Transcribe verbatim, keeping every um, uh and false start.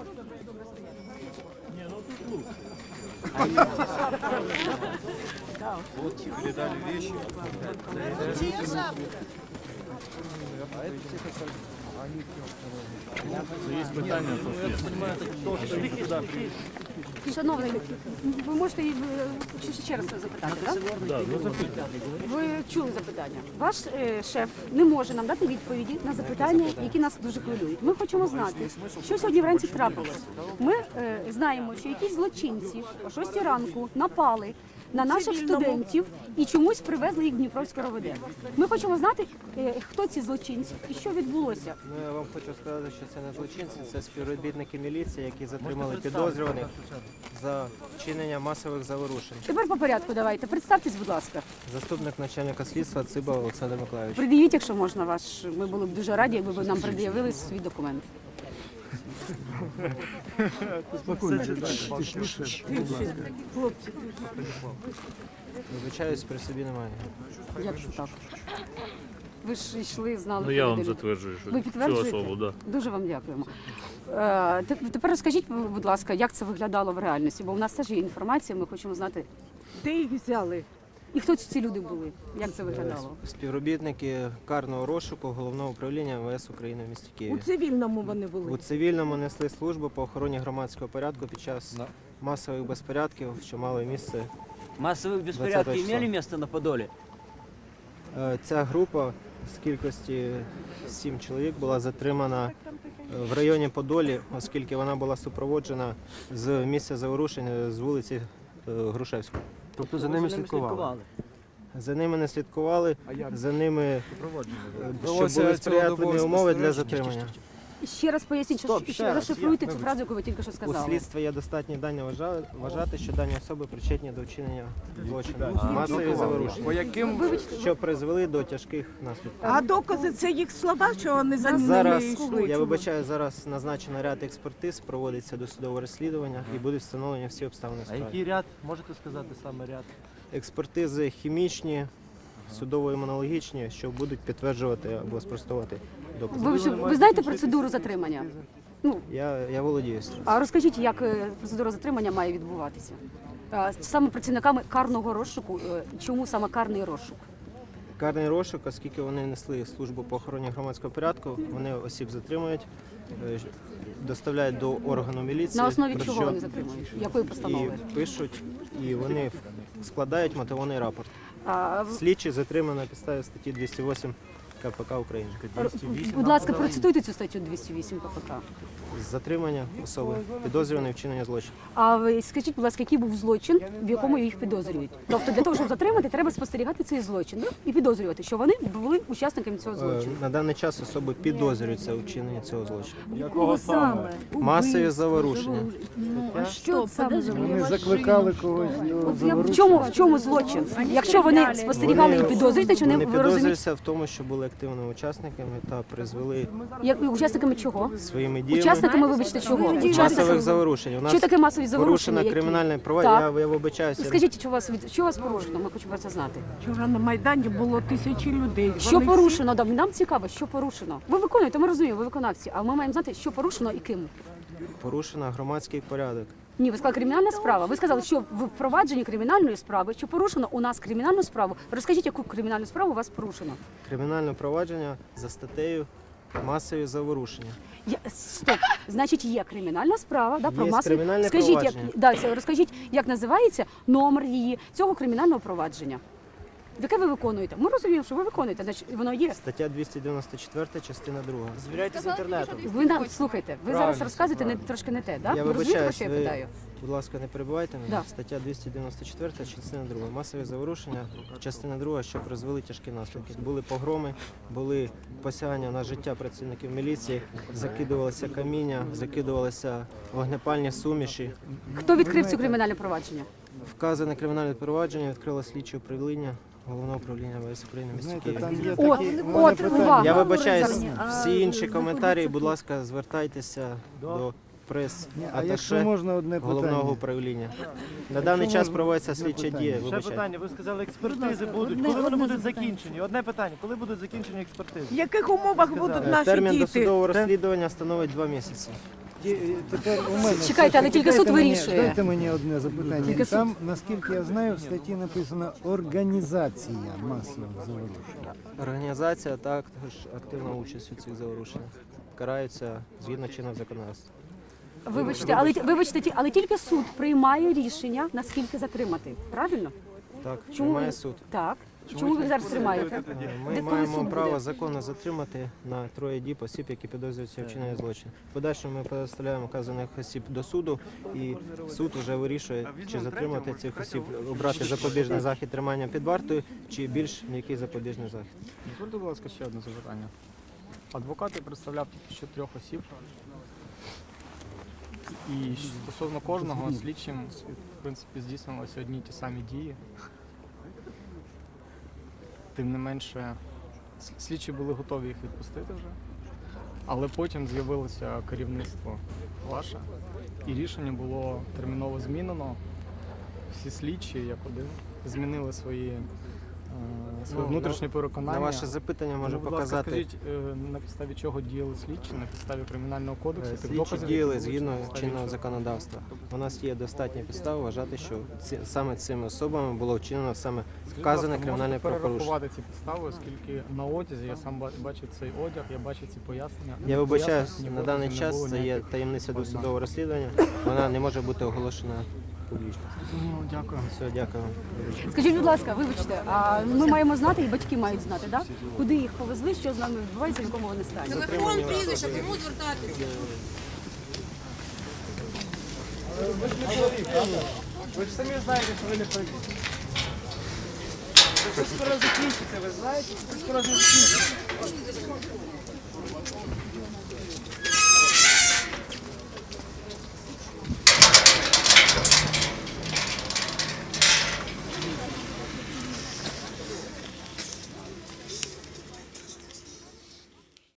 Вот передали вещи. Чья шапка? Є питання, Шановний, ви можете її, е, ще- ще раз запитати, так? да, ну, запитання. Ви чули запитання. Ваш е, шеф не може нам дати відповіді на запитання, які нас дуже хвилюють. Ми хочемо знати, що сьогодні вранці трапилось. Ми е, знаємо, що якісь злочинці о шостій ранку напали на наших студентів і чомусь привезли їх в Дніпровське РОВД. Ми хочемо знати, е, хто ці злочинці і що відбулося. Ну, я вам хочу сказати, що це не злочинці, це співробітники міліції, які затримали підозрюваних за вчинення масових заворушень. Тепер по порядку давайте. Представтесь, будь ласка. Заступник начальника слідства Циба Олександр Миколаївич. Пред'явіть, якщо можна, ваш. Ми були б дуже раді, якби ви нам пред'явили свій документ. Вибачаюсь, при собі немає. Як же так? Ви ж йшли, знали. Ну я вам людину. затверджую, що Ви цю підтверджуєте? особу, да. Дуже вам дякуємо. Е, те- Тепер розкажіть, будь ласка, як це виглядало в реальності, бо у нас теж є інформація, ми хочемо знати. Де їх взяли? І хто ці люди були? Як це виглядало? Співробітники карного розшуку Головного управління М В С України в місті У Києві. цивільному вони У були. цивільному несли службу по охороні громадського порядку під час масових безпорядків, що мали місце. Массовые беспорядки числа. имели место на Подоле? Е, Ця група з кількості сім чоловік була затримана е, в районі Подолі, оскільки вона була супроводжена з місця заворушення з вулиці е, Грушевської. Тобто за ними слідкували? За ними не слідкували, за ними е, щоб Вдалося були сприятливі цілодобово умови для спостереження. затримання. Ще раз поясніть, що, Стоп, ще ще раз, розшифруйте я- цю фразу, яку ви тільки що У сказали. слідства є достатні дані вважа- вважати, що дані особи причетні до вчинення злочину. Масові заворушення, По яким що призвели до тяжких наслідків. А докази це їх слова, що вони за ними Зараз, йшли? я вибачаю, зараз назначено ряд експертиз, проводиться досудове розслідування і будуть встановлені всі обставини А справи. який ряд? Можете сказати саме ряд? Експертизи хімічні, судово-імунологічні, що будуть підтверджувати або спростувати докази. Ви, ж- ви знаєте процедуру затримання? Ну, Я, я володію з цим. а розкажіть, як е, процедура затримання має відбуватися? А, Саме працівниками карного розшуку, е, чому саме карний розшук? Карний розшук, оскільки вони несли службу по охороні громадського порядку, вони осіб затримують, е, доставляють до органу міліції. На основі про чого що вони затримують? Якої постанови? І пишуть, і вони складають мотивований рапорт. А, в- Слідчий затриманий на підставі статті двісті вісім К П К України. Будь ласка, процитуйте цю статтю двісті вісім К П К. Затримання особи, підозрюваної вчинення злочину. А ви скажіть, будь ласка, який був злочин, в якому їх підозрюють? Тобто для того, щоб затримати, треба спостерігати цей злочин, ну, і підозрювати, що вони були учасниками цього Е, злочину. На даний час особи підозрюються у вчиненні цього злочину. Якого саме? Масові заворушення. А що саме за Вони закликали когось його От я- в чому в чому злочин? Якщо вони спостерігали і підозрюють, значить Вони вони ви розумієте, підозрюються в тому, що були активними учасниками та призвели як учасниками чого? своїми діями Учасниками, вибачте, чого? масових Учасниками. заворушень. У нас Що таке масові заворушення? порушено які? кримінальне право. Так. Я, я вибачаюся. Скажіть, що у вас від що у вас порушено? Ми хочемо про це знати. Вчора на Майдані було тисячі людей. Що Вони всі- порушено? Да, нам цікаво, що порушено. Ви виконуєте, ми розуміємо, ви виконавці, а ми маємо знати, що порушено і ким. Порушено громадський порядок. Ні, ви сказали кримінальна справа. Ви сказали, що в впровадженні кримінальної справи, що порушено у нас кримінальну справу. Розкажіть, яку кримінальну справу у вас порушено? Кримінальне провадження за статтею масові заворушення. Я, стоп, значить, є кримінальна справа, да, про Є масові. кримінальне Скажіть, як провадження. да, це, розкажіть, як називається номер її цього кримінального провадження? Яке ви виконуєте? Ми розуміємо, що ви виконуєте, значить воно є. Стаття двісті дев'яносто чотири, частина друга. Звіряйте з інтернетом. Ви нам слухайте, ви зараз Правильно, розказуєте не правильно. трошки не те, да? Я Ви розумієте, про вибачаюсь, що я ви, питаю? будь ласка, не перебивайте мене. Да. Стаття двісті дев'яносто чотири, частина друга. Масові заворушення, частина друга, що призвели тяжкі наслідки. Були погроми, були посягання на життя працівників міліції, закидувалося каміння, закидувалися вогнепальні суміші. Хто відкрив цю кримінальне провадження? Вказане кримінальне провадження відкрило слідче управління Головного управління М В С України в місті Знаєте, Києві. там є От, такі от, увага. Я вибачаюсь, всі інші коментарі, будь ласка, звертайтеся до А якщо прес-аташе можна одне Головного питання? управління. На даний час проводиться слідча дія. Ще Вибачайте. питання. Ви сказали, експертизи будуть. Коли вони будуть закінчені? Одне питання. Коли будуть закінчені експертизи? В яких умовах будуть Е, наші Термін діти? досудового розслідування становить два місяці. ті- тепер у мене. Чекайте, але тільки суд Дайте мені- вирішує. Дайте мені одне запитання. Тільки суд. Там, наскільки я знаю, в статті написано організація масових заворушень. Організація також активна участь у цих заворушеннях. Караються згідно чинного законодавства. Вибачте, але вибачте, ті- але тільки суд приймає рішення, наскільки затримати. Правильно? Так, Чому приймає ви- суд. Так. Чому ви їх зараз тримаєте? Е, Ми Де коли маємо суд право буде? законно затримати на троє діб осіб, які підозрюються в вчиненні злочин. В подальшому ми представляємо вказаних осіб до суду, і суд вже вирішує, чи затримати цих осіб, обрати запобіжний захід тримання під вартою, чи більш м'який запобіжний захід. Дозвольте, будь ласка, ще одне запитання. Адвокат я представляв тільки що трьох осіб. І стосовно кожного слідчим, в принципі, здійснювалися одні й ті самі дії. Тим не менше, с- слідчі були готові їх відпустити вже, але потім з'явилося керівництво ваше, і рішення було терміново змінено. Всі слідчі, як один, змінили свої, е, свої Ну, внутрішні На переконання. ваше запитання можу Тому, будь ласка, показати. скажіть, е, на підставі чого діяли слідчі, на підставі кримінального кодексу, Е, тих Слідчі доказів, діяли які були, згідно на підставі чинного чого? законодавства. У нас є достатня підстава вважати, що ці, саме цими особами було вчинено саме Скажіть, вказане будь ласка, кримінальне можете правопорушення. перерахувати ці підстави, оскільки на одязі я сам ба- бачив цей одяг, я бачив ці пояснення. Я вибачаюсь, Пояснень на ні даний доказів не час було це є ніяких. таємниця досудового розслідування. Вона не може бути оголошена публічно. Зрозуміло, дякую. Все, дякую. Скажіть, будь ласка, вибачте, а ми маємо знати, і батьки мають знати, да? Куди їх повезли, що з нами відбувається, в якому вони стані? Телефон, прізвище, кому звертатися? Ви ж самі знаєте, що ви не праві. Це скоро закінчиться, ви знаєте? Це скоро закінчиться.